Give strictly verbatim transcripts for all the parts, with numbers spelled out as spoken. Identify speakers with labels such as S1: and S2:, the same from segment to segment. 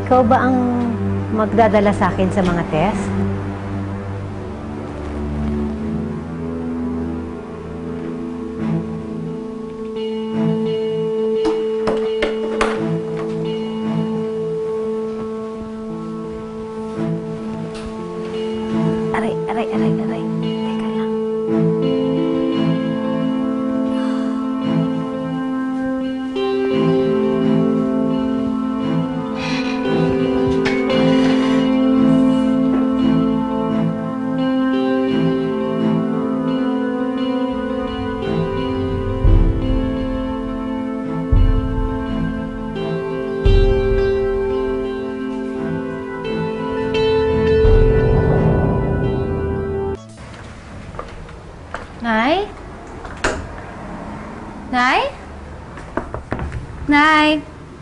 S1: Ikaw ba ang magdadala sa akin sa mga test? Aray, aray, aray, aray. Teka lang.
S2: Nay? Nay? Nay?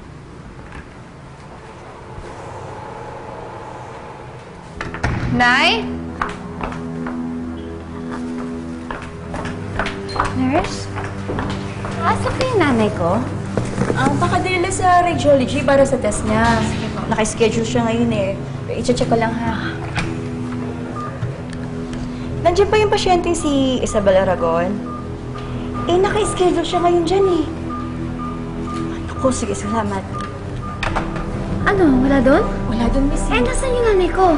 S2: Nay? Nurse? Asa pa yung nanay ko?
S3: Ah, baka dinala sa radiology para sa test niya. Naka-schedule siya ngayon eh. I-check ko lang ha. Nandiyan pa yung pasyenteng si Isabel Aragon? Eh, naka-schedule siya ngayon dyan eh. Ako, sige, salamat.
S2: Ano? Wala doon?
S3: Wala doon, miss.
S2: Eh, nasan yung nanay ko?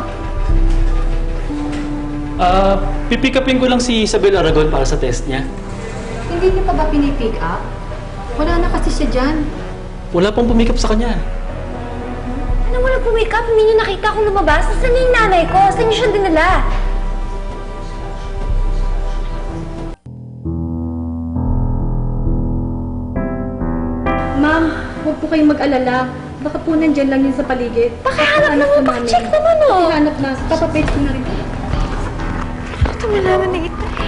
S4: Ah, pipick upin ko lang si Isabel Aragon para sa test niya.
S5: Hindi niyo pa ba pinipick up? Wala na kasi siya dyan.
S4: Wala pong pumick up sa kanya.
S2: Ano wala po wake up? Hindi niyo nakita akong lumabas? Nasaan na yung nanay ko? Saan niyo siya dinala?
S5: Ma'am, huwag po kayong mag-alala. Baka po nandyan lang yun sa paligid.
S2: Pakihanap naman, pakicheck naman oh!
S5: Pakihanap na. Papapage ko na rin.
S2: Ito malaman na kita eh.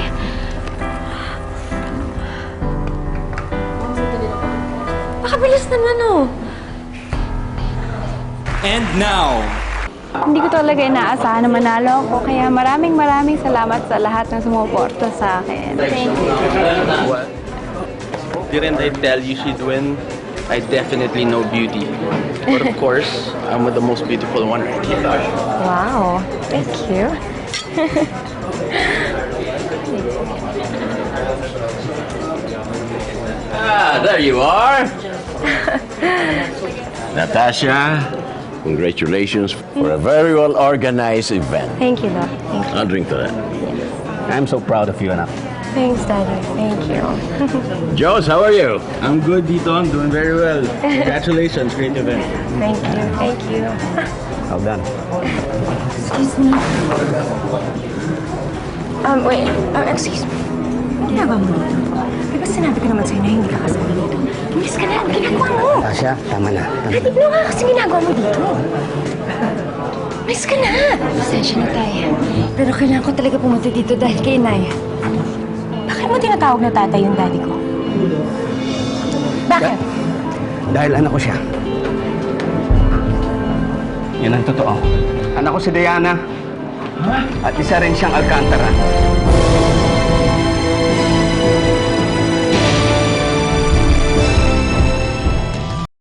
S2: Pakabilis naman oh!
S6: And now,
S7: Hindi ko talaga inaasahan na manalo ako, kaya maraming maraming salamat sa lahat ng sumuporta sa akin. Thank you.
S8: What? Didn't I tell you she'd win? I definitely know beauty. But of course, I'm with the most beautiful one right here.
S1: Wow, thank you.
S8: Ah, there you are. Natasha, congratulations for a very well-organized event.
S1: Thank you, Doc. Thank you.
S8: I'll drink to that.
S9: I'm so proud of you, anak.
S1: Thanks, Daddy. Thank you.
S8: Jones, how are you?
S9: I'm good, Dito. I'm doing very well. Congratulations. Great event.
S1: Thank you. Thank you.
S9: Well done.
S2: Excuse me. Um, wait. Uh, excuse me. Ang ginagawa mo dito? Di ba sinabi ko naman sa'yo na hindi ka kasama dito? Umalis ka na. Ang ginagawa mo?
S9: Tasha, tama na. Tama.
S2: Hatid mo nga kasi ginagawa mo dito. Umalis ka na. Pasensya na tayo. Pero kailangan ko talaga pumunta dito dahil kay Inay. Bakit mo tinatawag na tatay yung daddy ko? Bakit?
S9: Dahil anak ko siya. Yan ang totoo. Anak ko si Diana. At isa rin siyang Alcantara.